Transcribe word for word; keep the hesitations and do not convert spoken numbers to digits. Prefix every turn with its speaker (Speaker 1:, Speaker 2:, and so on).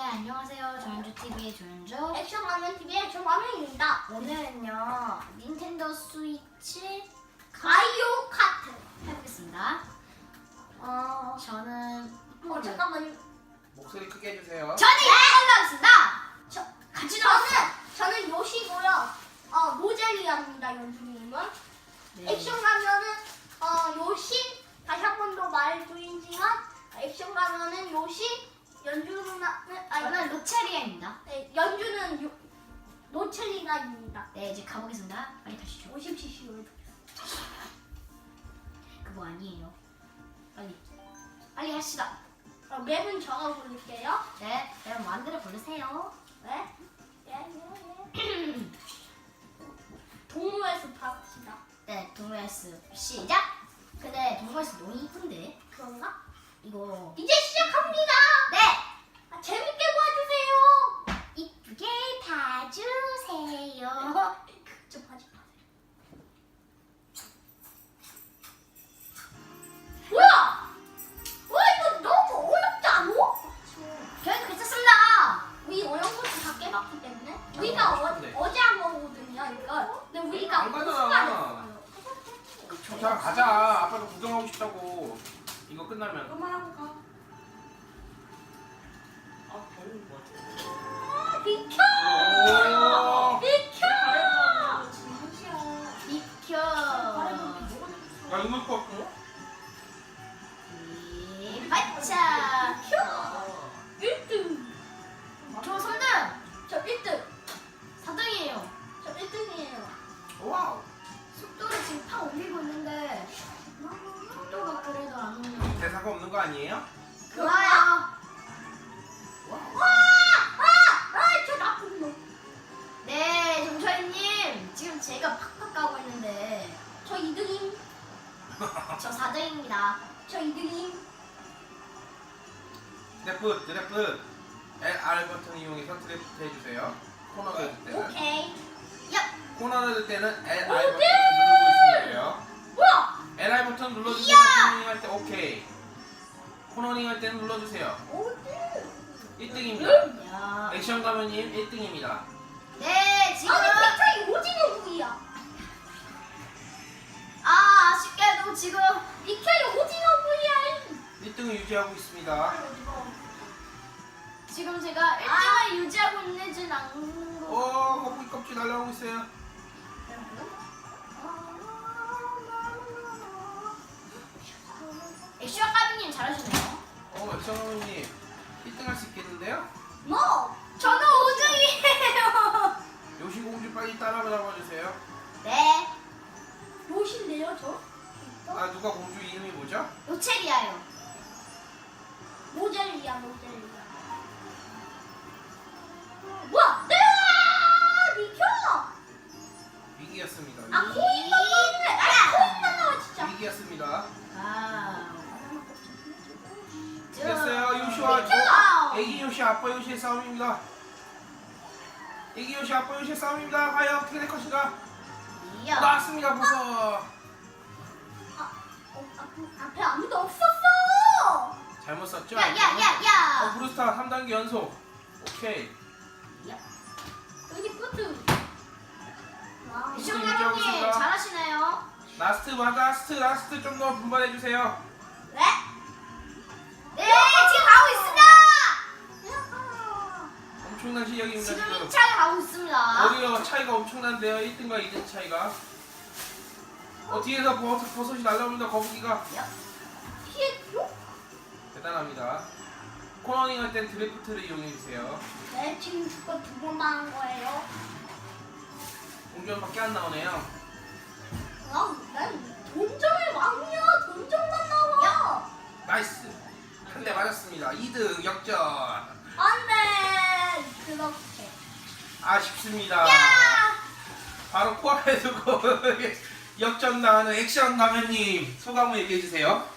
Speaker 1: 안녕하세요. 조연주티비의 조연주
Speaker 2: 액션라면티비의 조라면입니다.
Speaker 1: 오늘은요 닌텐도 스위치
Speaker 2: 마리오 카트
Speaker 1: 해보겠습니다.
Speaker 2: 어...
Speaker 1: 저는
Speaker 2: 어 잠깐만요.
Speaker 3: 목소리 크게 해주세요.
Speaker 1: 저는 이걸로 하겠습니다.
Speaker 2: 저,
Speaker 1: 같이
Speaker 2: 저는
Speaker 1: 나왔어.
Speaker 2: 저는 요시고요. 어 모젤리아입니다. 연주님은
Speaker 1: 네.
Speaker 2: 액션라면은 어 요시 다시 한 번 더 말해드리지만 액션라면은 요시 연주는 아니
Speaker 1: 저는 로체리아입니다.
Speaker 2: 네, 연주는 요, 노첼리나입니다.
Speaker 1: 네, 이제 가보겠습니다. 빨리 가시죠.
Speaker 2: 오십 씨씨로
Speaker 1: 그거 아니에요. 빨리 빨리 합시다.
Speaker 2: 어, 맵은 적어 볼게요.
Speaker 1: 네, 여러분 마음대로 부르세요.
Speaker 2: 네? 예, 예, 예. 동물에서 갑시다.
Speaker 1: 네, 동물스 시작. 근데 동물스 너무 이쁜데
Speaker 2: 그런가?
Speaker 1: 이거
Speaker 2: 이제 시작합니다.
Speaker 1: 네
Speaker 2: 아, 재밌게 봐주세요.
Speaker 1: 이쁘게 봐주세요.
Speaker 2: 좀 하지 마세요. 뭐야? 와 이거 너무 어렵지 않아?
Speaker 1: 저희도 괜찮습니다.
Speaker 2: 우리 어려운 것도 다 깨봤기 때문에 우리가 어,
Speaker 3: 어렵던데.
Speaker 2: 어제 한 거거든요 이걸. 근데 우리가
Speaker 3: 안 가잖아.
Speaker 2: 우승하였어요.
Speaker 3: 자 가자. 아빠도 구경하고 싶다고. 이거 끝나면.
Speaker 2: 그만하고 가.
Speaker 3: 아 별로 뭐.
Speaker 2: 아, 비켜!
Speaker 3: 오.
Speaker 2: 비켜!
Speaker 1: 비켜.
Speaker 3: 나 이거 거.
Speaker 1: 이 발차.
Speaker 2: 일 등.
Speaker 1: 저 삼 등.
Speaker 2: 저 일 등.
Speaker 1: 사 등이에요.
Speaker 2: 저 일 등이에요.
Speaker 3: 와우.
Speaker 1: 속도를 지금 팍 올리고 있는데 속도가 그래도 안 오는.
Speaker 3: 대사가 없는 거 아니에요?
Speaker 1: 좋아요.
Speaker 3: 와우.
Speaker 2: 아! 아! 아! 저 나쁜 놈.
Speaker 1: 네, 정철님 지금 제가 팍팍 가고 있는데
Speaker 2: 저 이 등임.
Speaker 1: 저 사 등입니다.
Speaker 2: 저 이 등임.
Speaker 3: 드래프 드래프 엘 알 버튼 이용해서 드래프트 해주세요. 코너를 들 때는.
Speaker 2: 오케이.
Speaker 1: 야,
Speaker 3: 코너를 들 때는 엘 알
Speaker 2: 오케이.
Speaker 3: 버튼 누르고 있으면 돼요.
Speaker 2: 뭐야?
Speaker 3: 엘 알 버튼 눌러주세요.
Speaker 1: 이야.
Speaker 3: 코너링 할 때 오케이. 코너링 할 때는 눌러주세요.
Speaker 2: 어디?
Speaker 3: 일 등입니다.
Speaker 1: 야.
Speaker 3: 액션 가면님 일 등입니다.
Speaker 1: 네, 지금
Speaker 2: 아니 빅터이 오징어 구이야.
Speaker 1: 아 아쉽게도 지금
Speaker 2: 빅터이 오징어 구이야.
Speaker 3: 일 등을 유지하고 있습니다.
Speaker 1: 지금 제가 일 등을 유지하고 있는지는 않는 거.
Speaker 3: 오, 거북이 껍질 날라오고 있어요.
Speaker 1: 액션 까비님 잘하시네요.
Speaker 3: 어, 액션 가면님 일 등 할 수 있겠는데요?
Speaker 2: 뭐?
Speaker 1: 저는 오 등이에요.
Speaker 3: 요시공주 빨리 따라잡아 주세요.
Speaker 1: 네,
Speaker 2: 요신데요 저?
Speaker 3: 아, 누가 공주 이름이 뭐죠?
Speaker 1: 로체리아요.
Speaker 2: 모젤리야 모젤리야. 뭐야? 네! 비켜!
Speaker 3: 위기였습니다.
Speaker 2: 아 코인만 나오네. 아 코인만 나와 진짜.
Speaker 3: 위기였습니다.
Speaker 1: 아,
Speaker 3: 됐어요. 요시와
Speaker 1: 비켜!
Speaker 3: 애기 요시, 아빠 요시의 싸움입니다. 애기 요시, 아빠 요시의 싸움입니다. 과연 어떻게 될 것인가?
Speaker 1: 이야.
Speaker 3: 나왔습니다, 보서.
Speaker 2: 아, 어, 앞, 앞에 아무도 없었어.
Speaker 3: 잘못 썼죠?
Speaker 1: 야, 야, 야,
Speaker 3: 어,
Speaker 1: 야.
Speaker 3: 브루스타 삼 단계 연속. 오케이.
Speaker 2: 여기 뿌트. 와.
Speaker 1: 액션
Speaker 3: 유지하고
Speaker 1: 까비님
Speaker 3: 있습니다.
Speaker 1: 잘하시네요.
Speaker 3: 라스트, 라스트, 라스트 좀 더 분발해주세요.
Speaker 2: 네?
Speaker 1: 네, 지금 가고 있습니다.
Speaker 3: 엄청난 실력입니다,
Speaker 1: 지금
Speaker 3: 지금.
Speaker 1: 이 차를 가고 있습니다.
Speaker 3: 어디요? 차이가 엄청난데요. 일 등과 이 등 차이가. 어, 뒤에서 버섯, 버섯이 날라옵니다. 거북이가.
Speaker 2: 피했죠?
Speaker 3: 대단합니다. 코너링 할 땐 드래프트를 이용해주세요.
Speaker 2: 네, 지금 그거 두 번 당한 거예요.
Speaker 3: 공전밖에 안 나오네요.
Speaker 2: 아, 난 돈정의 왕이야. 돈정만 나와.
Speaker 3: 나이스. 한 대 맞았습니다. 이 등 역전.
Speaker 2: 안 돼. 그렇게.
Speaker 3: 아쉽습니다.
Speaker 1: 야!
Speaker 3: 바로 코앞에 두고 역전 당하는 액션 가면님 소감을 얘기해주세요.